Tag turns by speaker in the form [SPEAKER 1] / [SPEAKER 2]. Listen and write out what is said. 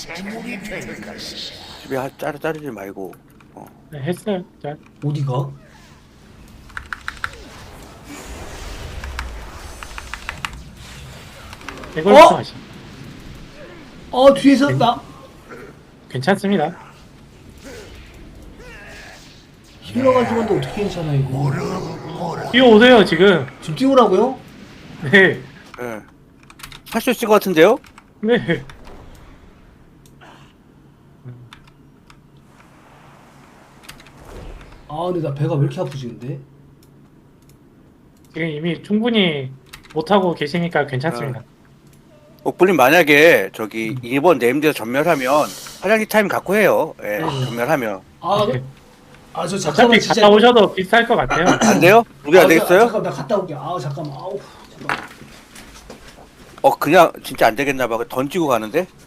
[SPEAKER 1] 집에 자르지 말고.
[SPEAKER 2] 네, 했어요. 자,
[SPEAKER 3] 어디가?
[SPEAKER 2] 이걸
[SPEAKER 3] 어?
[SPEAKER 2] 하시.
[SPEAKER 3] 뒤에서 나
[SPEAKER 2] 괜찮습니다.
[SPEAKER 3] 힐러가 죽었는데 어떻게 괜찮아 이거?
[SPEAKER 2] 뛰어오세요 지금.
[SPEAKER 3] 지금 띄우라고요?
[SPEAKER 2] 네,
[SPEAKER 1] 예. 할 수 있을 것 같은데요?
[SPEAKER 2] 네.
[SPEAKER 3] 근데 나 배가 왜 이렇게 아프지 근데?
[SPEAKER 2] 지금 이미 충분히 못하고 계시니까 괜찮습니다.
[SPEAKER 1] 옥불님 만약에 저기 2번 네임드에서 전멸하면 화장실 타임 갖고 해요. 예, 전멸하면.
[SPEAKER 3] 저
[SPEAKER 2] 어차피
[SPEAKER 3] 잠깐만 진짜.
[SPEAKER 2] 갔다 오셔도 비쌀 것 같아요.
[SPEAKER 1] 안 돼요? 우리 안 되겠어요?
[SPEAKER 3] 잠깐 나 갔다 올게. 잠깐만. 잠깐.
[SPEAKER 1] 그냥 진짜 안 되겠나 봐. 던지고 가는데?